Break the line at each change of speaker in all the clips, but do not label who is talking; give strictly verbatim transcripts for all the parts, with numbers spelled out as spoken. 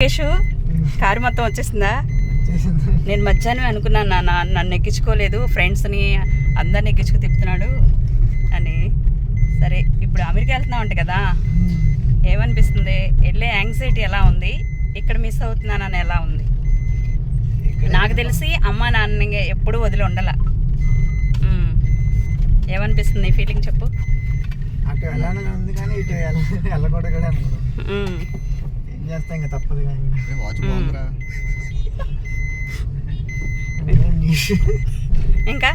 Lokesh car మొత్తం వచ్చేసిందా? నేను మధ్యాహ్నం అనుకున్నాను నాన్న నన్ను ఎక్కించుకోలేదు, ఫ్రెండ్స్ని అందరిని ఎక్కించుకు తిప్పుతున్నాడు అని. సరే ఇప్పుడు అమెరికా వెళ్తున్నావు అంట కదా, ఏమనిపిస్తుంది? వెళ్ళే యాంగ్జైటీ ఎలా ఉంది? ఇక్కడ మిస్ అవుతున్నానని ఎలా ఉంది? నాకు తెలిసి అమ్మ నాన్న ఎప్పుడూ వదిలి ఉండాల. ఏమనిపిస్తుంది ఫీలింగ్ చెప్పు?
అటు వెళ్ళాలని ఉంది కానీ ఇటు వెళ్ళకూడదు కూడా ఏం చేస్తా, ఇంకా తప్పదు.
ఇంకా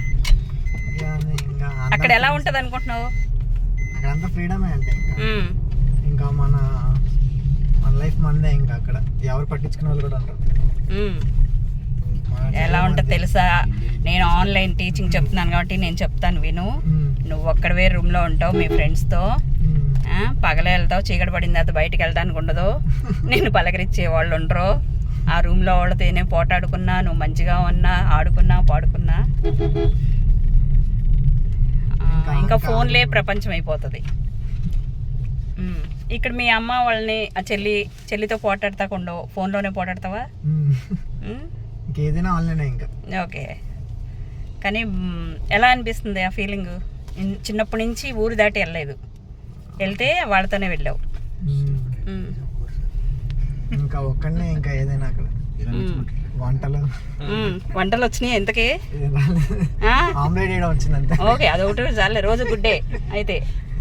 అక్కడ ఎలా ఉంటుంది అనుకుంటున్నావు?
అక్కడంతా ఫ్రీడమే అంటే ఇంకా ఇంకా మన మన లైఫ్ మనదే. ఇంకా అక్కడ ఎవరు పట్టించుకునే వాళ్ళు కూడా ఉంటారు.
ఎలా ఉంటుంది తెలుసా? నేను ఆన్లైన్ టీచింగ్ చెప్తున్నాను కాబట్టి నేను చెప్తాను విను. నువ్వు ఒక్కడవే రూమ్లో ఉంటావు మీ ఫ్రెండ్స్తో, పగలే వెళ్తావు, చీకటి పడిన తర్వాత బయటకు వెళ్ళడానికి ఉండదు, నేను పలకరించే వాళ్ళు ఉండరు. ఆ రూమ్లో వాళ్ళతో నేను పోటాడుకున్నా, నువ్వు మంచిగా ఉన్నా, ఆడుకున్నా పాడుకున్నా, ఇంకా ఫోన్లే ప్రపంచం అయిపోతుంది. ఇక్కడ మీ అమ్మ వాళ్ళని ఆ చెల్లి చెల్లితో పోటాడతాకుండా ఫోన్లోనే పోటాడతావా?
ఏదైనా ఆన్లైన్ ఇంకా.
ఓకే, కానీ ఎలా అనిపిస్తుంది ఆ ఫీలింగ్? చిన్నప్పటి నుంచి ఊరు దాటి వెళ్ళలేదు, వెళ్తే వాళ్ళతోనే వెళ్ళావు.
ఇంకా ఒక్కడనే ఇంకా ఏదైనా అక్కడ వంటలు
వంటలు వచ్చినాయి ఎంతకి?
ఆమ్లెట్ వేయడం వచ్చింది అంతే.
ఓకే, అదొకటి చాలే, రోజు గుడ్డే అయితే.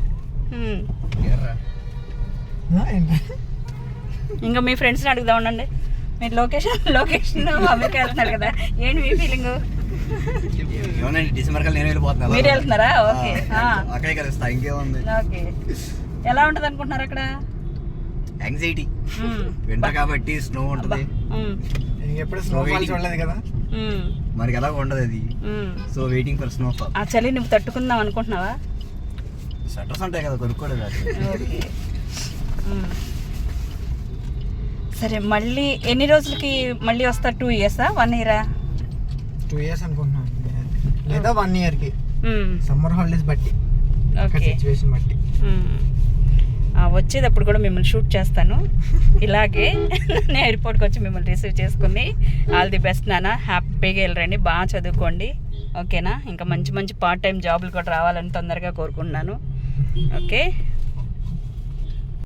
ఇంకా మీ ఫ్రెండ్స్ని అడుగుదా ఉండండి. మీరు లొకేషన్ లొకేషన్ అమెరికా వెళ్తున్నారు కదా, ఏంటి మీ ఫీలింగ్?
డిసెంబర్ కల్లా నేను వెళ్ళిపోతున్నా.
మీరు వెళ్తున్నారా? ఓకే
ఇంకేముంది.
ఓకే, ఎలా ఉంటుంది అనుకుంటున్నారు అక్కడ?
యాంగ్జైటీ, వింటర్ కాబట్టి స్నో ఉంటుంది.
ఎప్పుడు స్నోఫాల్ చూడలేదు కదా
మనకి ఎలా ఉండదు అది. So waiting for snowfall.
ఆ చలి నువ్వు తట్టుకుందాం అనుకుంటున్నావా?
స్వెటర్స్ ఉంటాయి కదా, కొనుక్కోలేదు.
ఓకే, సరే. మళ్ళీ ఎన్ని రోజులకి మళ్ళీ వస్తా? టూ ఇయర్సా వన్ ఇయరా?
టూ ఇయర్స్ అనుకుంటున్నాను, లేదా వన్ ఇయర్కి, సమ్మర్ హాలిడేస్ బట్టి, సిచ్యువేషన్ బట్టి.
వచ్చేటప్పుడు కూడా మిమ్మల్ని షూట్ చేస్తాను ఇలాగే. నేను ఎయిర్పోర్ట్కి వచ్చి మిమ్మల్ని రిసీవ్ చేసుకుని, ఆల్ ది బెస్ట్ నాన్న, హ్యాపీగా వెళ్ళరండి, బాగా చదువుకోండి, ఓకేనా? ఇంకా మంచి మంచి పార్ట్ టైం జాబులు కూడా రావాలని తొందరగా కోరుకుంటున్నాను. ఓకే.